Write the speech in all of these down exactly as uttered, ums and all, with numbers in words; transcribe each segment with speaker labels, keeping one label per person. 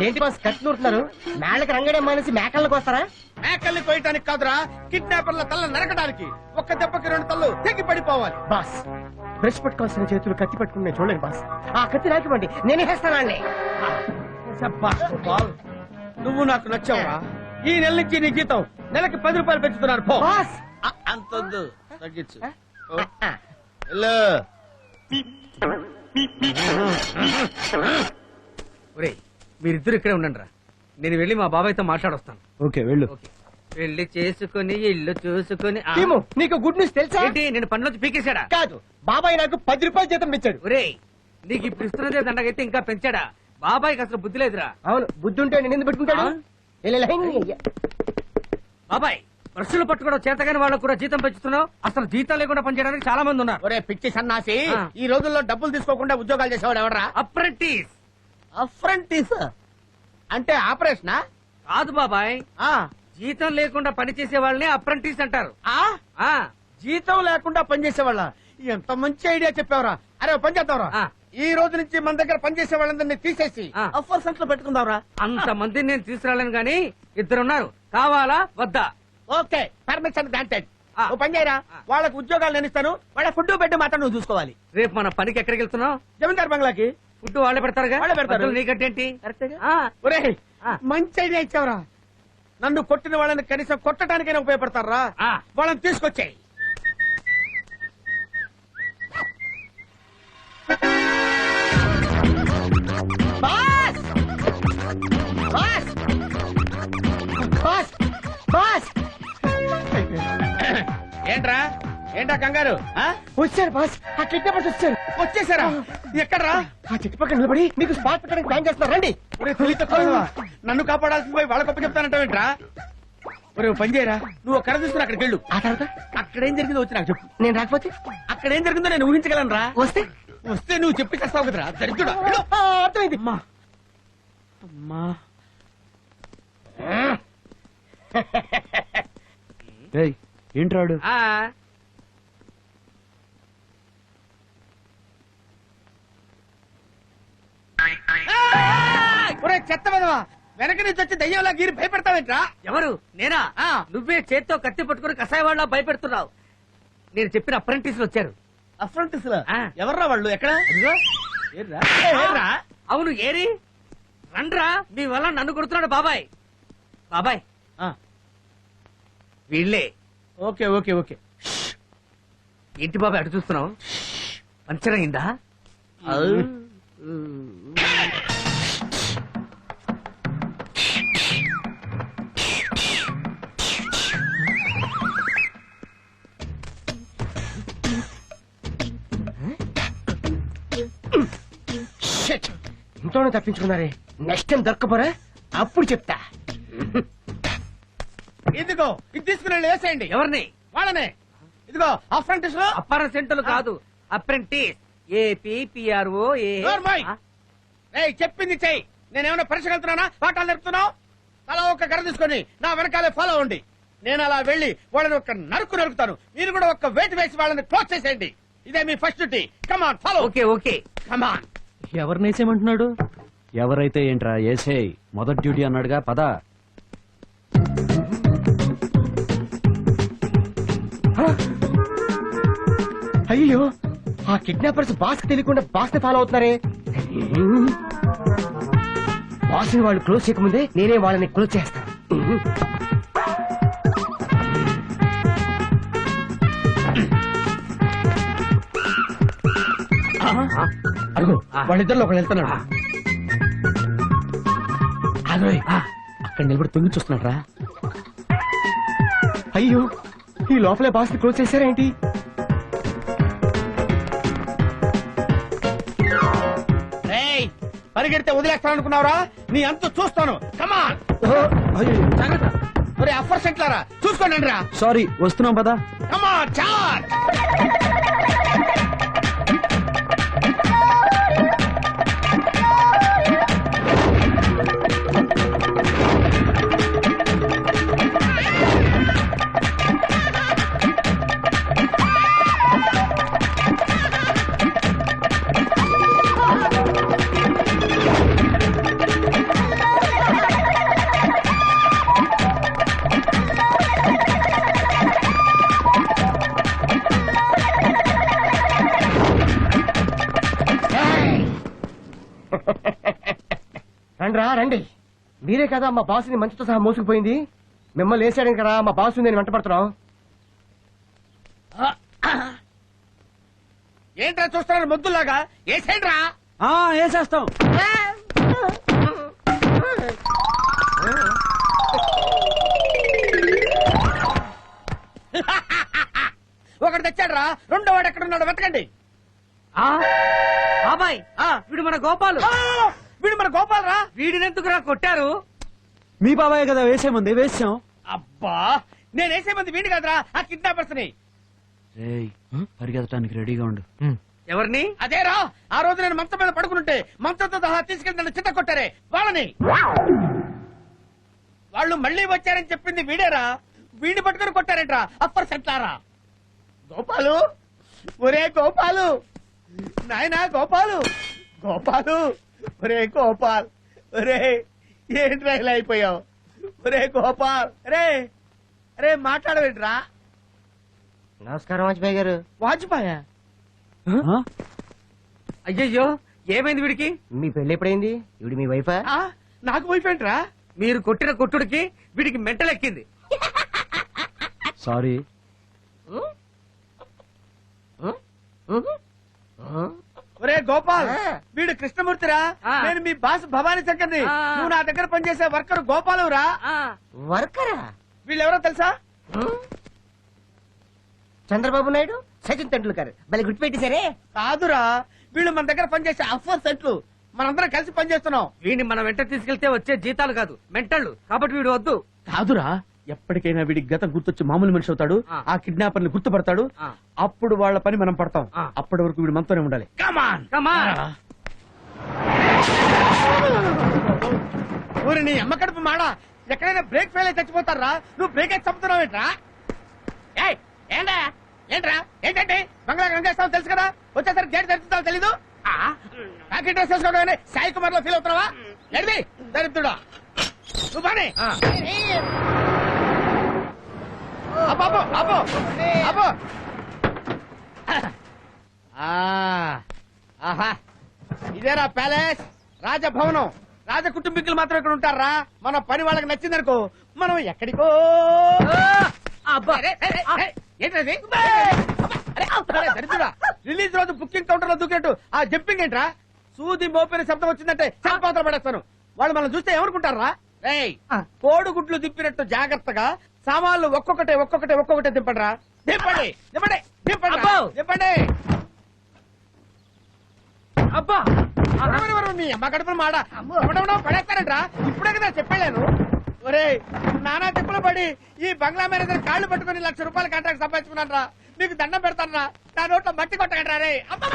Speaker 1: ఏంటి బాస్ కత్తి నూరుతున్నారు? మేళ్ళకి రంగడే మానేసి మేకల్లోకి వస్తారా?
Speaker 2: మేకల్ని కోయటానికి కాదురా, కిడ్నాపర్ల తల్ల నరకడానికి. ఒక్క దెబ్బకి రెండు తల్లు తెగి పడిపోవాలి.
Speaker 1: బాస్ బ్రష్ పట్టుకోవాల్సిన చేతులు కత్తి పట్టుకుని నేను చూడలేను బాస్. ఆ కత్తి నాకివ్వండి, నేనే వేస్తానండి.
Speaker 2: నువ్వు నాకు నచ్చావురా. ఈ నెల నుంచి నీ జీతం నెలకి పది రూపాయలు పెంచుతున్నారు. పో
Speaker 1: బాస్
Speaker 2: అంతొద్దు, తగ్గించు.
Speaker 3: మీరిద్దరు ఇక్కడే ఉండండి రా, నేను వెళ్ళి మా బాబాయ్తో మాట్లాడొస్తాను.
Speaker 2: ఓకే వెళ్ళు.
Speaker 3: పెళ్లి చేసుకుని ఇల్లు చూసుకుని ఆ-
Speaker 1: టీము, నీకు గుడ్ న్యూస్ తెలుసా?
Speaker 3: ఏంటి నేను పనిలోంచి పీకేశాడా?
Speaker 1: కాదు, బాబాయ్ నాకు పది రూపాయలు జీతం ఇచ్చాడు.
Speaker 3: ఒరేయ్, నీకు ఇప్పుడు ఇస్తున్నదే దండగైతే ఇంకా పెంచాడా? బాబాయ్కి అసలు బుద్ధి లేదురా.
Speaker 1: అవును, బుద్ధి ఉంటే నేను ఎందుకు పెట్టుకుంటాడు?
Speaker 3: ఆ?
Speaker 1: ఇలా లైన్ అయ్యా.
Speaker 3: బాబాయ్, బ్రష్లు పట్టుకోవడం చేతగాని వాళ్ళకు కూడా జీతం పెంచుతున్నావు. అసలు జీతం లేకుండా పనిచేయడానికి చాలా మంది ఉన్నారు.
Speaker 2: ఒరే పిచ్చి సన్నాసి,
Speaker 3: ఆ.
Speaker 2: ఈ రోజుల్లో డబ్బులు తీసుకోకుండా ఉద్యోగాలు చేసేవాడు ఎవడరా?
Speaker 3: అప్రెంటిస్
Speaker 2: అప్రెంటిస్ అంటే ఆపరేషనా?
Speaker 3: కాదు బాబాయ్,
Speaker 2: ఆ
Speaker 3: జీతం లేకుండా పనిచేసే వాళ్ళని అప్రెంటిస్ అంటారు.
Speaker 2: ఆ
Speaker 3: ఆ
Speaker 2: జీతం లేకుండా పనిచేసేవాళ్ళ? ఎంత మంచి ఐడియా చెప్పావరా. అరే ఓ పని చేద్దాంరా,
Speaker 3: ఆ.
Speaker 2: ఈ రోజు నుంచి మన దగ్గర పనిచేసే వాళ్ళందరినీ తీసేసి
Speaker 3: ఆ.
Speaker 2: అఫర్ సెంటర్ లో పెట్టుకుందాంరా.
Speaker 3: అంత మందిని నేను తీసుకురాలేను గాని ఇద్దరున్నారు, కావాలా వద్దా?
Speaker 2: Okay, permission granted.
Speaker 3: ఆ.
Speaker 2: ఓ పని చేయరా,
Speaker 3: ఆ.
Speaker 2: వాళ్ళకు ఉద్యోగాలు నేను ఇస్తాను. వాళ్ళ ఫుడ్ బెడ్ మాత్రం నువ్వు చూసుకోవాలి.
Speaker 3: రేపు మన పనికి ఎక్కడికి వెళ్తున్నావు?
Speaker 2: జమీందార్ బంగ్లాకి.
Speaker 3: ఫుడ్ వాళ్ళే పెడతారుగా?
Speaker 2: వాళ్ళే పెడతారు.
Speaker 3: మధ్యలో నీకంటేంటి? ఆ,
Speaker 2: ఒరే
Speaker 3: ఆ.
Speaker 2: మంచి ఐడియా ఇచ్చావురా. నన్ను కొట్టిన వాళ్ళని కనీసం కొట్టడానికైనా ఉపయోగపడతారా?
Speaker 3: ఆ.
Speaker 2: వాళ్ళని తీసుకొచ్చాయి.
Speaker 1: బాస్ బాస్ బాస్ బాస్
Speaker 2: ఏంట్రా ఏంటా కంగారు? ఆ?
Speaker 1: వచ్చారు బాస్, ఆ కిడ్నాపర్స్ వచ్చారు.
Speaker 2: వచ్చేసారా? ఎక్కడ్రా?
Speaker 1: ఆ చెట్టు పక్కన నిలబడి మీకు స్పాట్ పెట్టడానికి ప్లాన్ చేస్తున్నారు. రండి.
Speaker 2: ఒరే తెలివి తక్కువ, నన్ను కాపాడాల్సింది పోయి వాళ్ళ గొప్ప చెప్తానంటావేంట్రా? ఒరే ఓ పని చేయరా, నువ్వు ఒక కర్ర తీసుకుని అక్కడికి వెళ్ళు.
Speaker 1: ఆ తర్వాత
Speaker 2: అక్కడేం జరిగిందో వచ్చి నాకు చెప్పు.
Speaker 1: నేను రాకపోతే
Speaker 2: అక్కడేం జరిగిందో నేను ఊహించగలను రా.
Speaker 1: వస్తే
Speaker 2: వస్తే నువ్వు చెప్పి చేస్తావు కదరా దరిద్రుడా. వెళ్ళు.
Speaker 1: ఆ, అర్థమైంది.
Speaker 2: అమ్మా అమ్మా
Speaker 4: ఏంట్రాడు?
Speaker 3: ఆ.
Speaker 2: ఒరే చెత్త విధవా, వెనక నుంచి వచ్చి దయ్యంలా గీరి భయపెడతావేంట్రా?
Speaker 3: ఎవరు? నేనా?
Speaker 2: ఆ.
Speaker 3: నువ్వే చేత్తో కత్తి పట్టుకుని కషాయ వాళ్ళ భయపెడుతున్నావు. నేను చెప్పిన అప్రెంటిస్లు వచ్చారు.
Speaker 2: అఫ్రంటిస్
Speaker 3: ఆ.
Speaker 2: ఎవర్రా వాళ్ళు? ఎక్కడ?
Speaker 3: అదిగో.
Speaker 2: ఏర్రా? ఏర్రా?
Speaker 3: అవును, ఏరి రండ్రా, మీ వల్ల నన్ను కొడుతున్నాడు బాబాయ్. బాబాయ్,
Speaker 2: ఆ,
Speaker 3: వీళ్ళే.
Speaker 2: Okay okay okay.
Speaker 3: ఏంటి బాబాయ్ అటు చూస్తున్నావు? పంచర్ అయిందా?
Speaker 1: షిట్. ఇంట్లోనే తప్పించుకున్నారే, నెక్స్ట్ టైం దొరకపోరా అప్పుడు చెప్తా.
Speaker 2: ఇదిగో ఇది తీసుకుని వెళ్ళి వేసేయండి.
Speaker 3: ఎవరిని?
Speaker 2: వాళ్ళనే. ఇదిగో అఫ్రంటిస్ లో
Speaker 3: అప్పార సెంటర్లు కాదు, అప్రెంటిస్. ఏపీఆర్ఓ.
Speaker 2: నోర్మోయ్. ఏయ్ చెప్పింది చెయ్యి. నేనేమైనా పరీక్ష వెళ్తున్నానా, పాఠాలు నేర్పుతున్నావు? అలా ఒక కర్ర తీసుకొని నా వెనకాలే ఫాలో అవ్వండి. నేను అలా వెళ్లి వాళ్ళని ఒక నరుకు నరుకుతాను. మీరు కూడా ఒక వెయిట్ వేసి వాళ్ళని క్లోజ్ చేసేయండి. ఇదే మీ first duty. Come on follow.
Speaker 3: Okay okay.
Speaker 2: Come on.
Speaker 4: ఎవరినేసేమంటున్నాడు? ఎవరైతే ఏంట్రా ఏసేయ్, మొదటి డ్యూటీ అన్నాడుగా, పద.
Speaker 1: అయ్యో, ఆ కిడ్నాపర్స్ బాస్ తెలియకుండా బాస్ ని ఫాలో అవుతున్నారే. బాస్ ని వాళ్ళు క్లోజ్ చేయకముందే నేనే వాళ్ళని క్లోజ్ చేస్తాను.
Speaker 2: అడుగు వాళ్ళిద్దరిలో ఒకళ్ళు వెళ్తున్నాడు. అదే అక్కడ నిలబడి తొంగి చూస్తున్నాడు రా.
Speaker 1: అయ్యో, ఈ లోపలే బాస్ ని క్లోజ్ చేశారేంటి?
Speaker 2: రేయ్ పరిగెడితే వదిలేస్తాననుకున్నావురా? నీ అంత చూస్తాను. కమాన్. ఒరే అఫర్ సెంట్లారా చూసుకోండి రా.
Speaker 4: సారీ, వస్తున్నాం పద.
Speaker 2: Come on charge.
Speaker 1: మీరే కదా మా బాసుని మంచుతో సహా మోసుకుపోయింది. మిమ్మల్ని వేసాడని కదా మా బాసు నేను వెంట పడుతున్నాం.
Speaker 2: ఏంట్రా చూస్తున్నారు మొద్దులాగా? ఏసేంట్రా.
Speaker 4: వేసేస్తాం.
Speaker 2: ఒకటి తెచ్చాడ్రా, రెండో వాడు ఎక్కడ ఉన్నాడు వెతకండి.
Speaker 3: ఆ, బాబాయ్
Speaker 2: ఆ,
Speaker 3: వీడు మన గోపాలు.
Speaker 2: ఆ, వీడు మన గోపాల్ రా.
Speaker 3: వీడినెందుకురా కొట్టారు?
Speaker 4: మీ బాబాయ్ కదా వేసేమంది, వేసాం.
Speaker 2: అబ్బా, నేను వేసే మంది వీడి కదరా, ఆ కిడ్నాపర్స్ ని.
Speaker 4: రేయ్, పరిగెత్తడానికి రెడీగా ఉండు.
Speaker 3: ఎవరిని?
Speaker 2: అదేరా, ఆ రోజు నేను మంచం మీద పడుకుంటే మంచంతో సహా తీసుకెళ్లి నన్ను చిత్త కొట్టారే వాళ్ళని. వాళ్ళు మళ్ళీ వచ్చారని చెప్పింది వీడేరా. వీడిని పట్టుకుని కొట్టారేంట్రా అప్పర్ సెట్లారా. గోపాలు, ఒరే గోపాలు, నాయనా గోపాలు, గోపాలు, ఒరే గోపాల్, ఒరే ఏంట్రా ఇలా అయిపోయావు? ఒరే గోపాల్, రే రే మాట్లాడవేంట్రా?
Speaker 1: నమస్కారం వాజ్పేయి గారు.
Speaker 2: వాజ్పాయా?
Speaker 4: ఆ?
Speaker 3: అయ్యయ్యో, ఏమైంది వీడికి?
Speaker 1: మీ పెళ్లి ఎప్పుడైంది? ఇవిడి మీ వైఫా?
Speaker 2: ఆ, నాకు వైఫ్ ఏంట్రా?
Speaker 3: మీరు కొట్టిన కొట్టుడికి వీడికి మెంటలెక్కింది.
Speaker 4: సారీ.
Speaker 2: ఒరే గోపాల్,
Speaker 1: ఆ.
Speaker 2: వీడు కృష్ణమూర్తిరా.
Speaker 3: ఆ.
Speaker 2: నేను మీ బాస్ భవానీ శంకర్ని.
Speaker 3: ఆ.
Speaker 2: నువ్వు నా దగ్గర పనిచేసే వర్కర్ గోపాలురా.
Speaker 3: ఆ,
Speaker 1: వర్కరా?
Speaker 2: వీళ్ళెవరో తెలుసా?
Speaker 1: చంద్రబాబు నాయుడు, సచిన్ తెండూల్కర్. భలే గుర్తుపెట్టేశారే.
Speaker 2: కాదురా, వీళ్ళు మన దగ్గర పనిచేసే అఫర్ సెట్లు. మనందరం కలిసి పనిచేస్తున్నాం.
Speaker 3: వీడిని మన వెంట తీసుకెళ్తే వచ్చే జీతాలు కాదు మెంటళ్ళు, కాబట్టి వీడు వద్దు.
Speaker 2: కాదురా, ఎప్పటికైనా వీడి గతం గుర్తొచ్చి మామూలు మనిషి అవుతాడు.
Speaker 3: ఆ.
Speaker 2: ఆ కిడ్నాపర్ ని గుర్తుపడతాడు.
Speaker 3: ఆ.
Speaker 2: అప్పుడు వాళ్ళ పని మనం పడతాం.
Speaker 3: ఆ.
Speaker 2: అప్పటి వరకు వీడు మనతోనే ఉండాలి. కమాన్
Speaker 3: కమాన్.
Speaker 2: ఊరి నీ అమ్మ కడుపు మాడ. ఎక్కడైనా బ్రేక్ ఫెయిల్ అయి చచ్చిపోతారా? నువ్వు బ్రేక్ అయితే చంపుతున్నావు ఏంట్రా? ఏయ్, ఏంటా ఏంట్రా ఏంటంటే బంగ్లా గంగేస్తావు తెలుసు కదా. వచ్చేసరికి గేట్ తెరుస్తావు తెలీదు. ప్యాకెట్ డ్రెస్ వేసుకోవడం సాయి కుమార్ లో ఫీల్ అవుతున్నావా? ఎడిది దరిద్రుడా నువ్వు బానే.
Speaker 3: ఆ.
Speaker 2: అబ్బో అబ్బో అబ్బో అబ్బో. ఆ, ఆహా, ఇదేరా ప్యాలెస్, రాజభవనం. రాజ కుటుంబీకులు మాత్రం ఇక్కడ ఉంటారా? మన పని వాళ్ళకి నచ్చిందనుకో మనం ఎక్కడికో.
Speaker 3: అబ్బా.
Speaker 2: అరే, అరే, అరే, ఏంటది? అరే, అరే, దరిద్రుడా, రిలీజ్ రోజు బుకింగ్ కౌంటర్ లో దూకినట్టు ఆ జంపింగ్ ఏంట్రా? సూది మోపిన శబ్దం వచ్చిందంటే చంపాత్ర పడేస్తాను. వాళ్ళు మనం చూస్తే ఏమనుకుంటారా? రేయ్, కోడిగుడ్లు దింపినట్టు జాగ్రత్తగా సామాన్లు ఒక్కొక్కటే ఒక్కొక్కటే ఒక్కొక్కటే దింపండి రా. దింపండి దింపండి దింపండి రా.
Speaker 3: అబ్బో.
Speaker 2: దింపండి.
Speaker 3: అబ్బా.
Speaker 2: ఎవరు, ఎవరు, మీ అమ్మ గడుపులు మాడ ఎవడెవడో పడేస్తారంట్రా. ఇప్పుడే కదా చెప్పాను. ఒరే, నానా తిప్పులు పడి ఈ బంగ్లా మేనేజర్ కాళ్ళు పట్టుకుని లక్ష రూపాయల కాంట్రాక్ట్ సంపాదించుకున్నాను రా. మీకు దండం పెడతాను రా. నా నోట్లో మట్టి కొట్టగండి రే.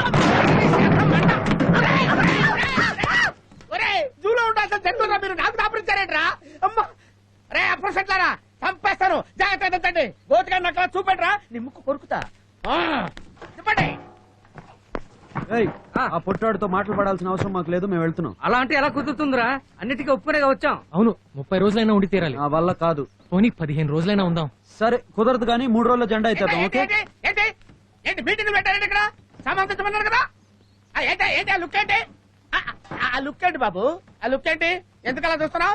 Speaker 2: ఒరే, జూలో ఉండాల్సిన జంతువురా మీరు నాకు దాపరించారేంట్రా? అమ్మా, రే అప్పుడు సెట్లారా చంపేస్తాను. జాగ్రత్త తెచ్చండి. గోతిగా నక్కలా చూపెట్రా, నీ ముక్కు కొరుకుతా. ఆ, చెప్పండి.
Speaker 4: ఏయ్,
Speaker 3: ఆ.
Speaker 4: ఆ పొట్టాడుతో మాటలు పడాల్సిన అవసరం మాకు లేదు, మేము వెళ్తున్నాం.
Speaker 3: అలా అంటే ఎలా కుదురుతుందిరా? అన్నిటికీ ఒప్పుకునేగా వచ్చాం.
Speaker 5: అవును, ముప్పై రోజులైనా ఉండి తీరాలి.
Speaker 4: నా వల్ల కాదు.
Speaker 5: పోనీ పదిహేను రోజులైనా ఉందాం.
Speaker 4: సరే, కుదరదు కానీ మూడు రోజుల జెండా
Speaker 2: ఏంటి,
Speaker 4: ఇచ్చేద్దాం. ఓకే?
Speaker 2: ఏంటి, ఏంటి ఏంటి మీటింగ్ పెట్టారండి ఇక్కడ? సామాన్ తెచ్చమన్నారు కదా. ఆ, ఏంటి ఏంటి ఆ లుక్ ఏంటి? ఆ, ఆ, ఆ లుక్ ఏంటి బాబు? ఆ లుక్ ఏంటి? ఎందుకు అలా చూస్తున్నావు?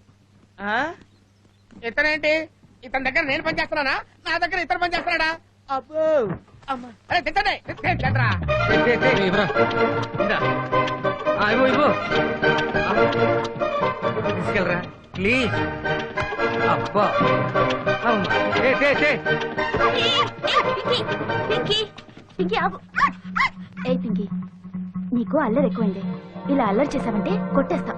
Speaker 2: ఇతనేంటి? ఇతని దగ్గర నేను పని చేస్తున్నానా? నా దగ్గర ఇతను పని చేస్తున్నాడా? అబ్బో, అమ్మా. అరే తిట్టండి తిట్టండిరా.
Speaker 3: తే, తే,
Speaker 5: ఏయ్, ఇవ్వరా.
Speaker 3: ఇందా. ఆ, ఇవ్వు ఇవ్వు. ఆ. తీసుకెళ్ళరా ప్లీజ్. అబ్బా. అమ్మా. తే, తే, తే.
Speaker 6: పింకీ పింకీ పింకీ ఆగు. ఏ పింకీ, నీకు అల్లరి ఎక్కువైంది. ఇలా అల్లరి చేసావంటే కొట్టేస్తా.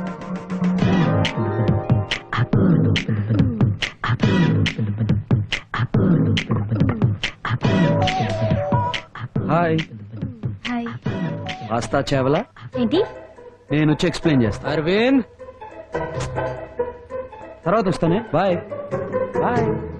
Speaker 4: Hi,
Speaker 6: hi.
Speaker 4: వాస్తా చేవలా.
Speaker 6: ఏంటి?
Speaker 4: నేను వచ్చి ఎక్స్ప్లెయిన్ చేస్తా.
Speaker 5: అరవింద్,
Speaker 4: తర్వాత వస్తానే. Bye bye.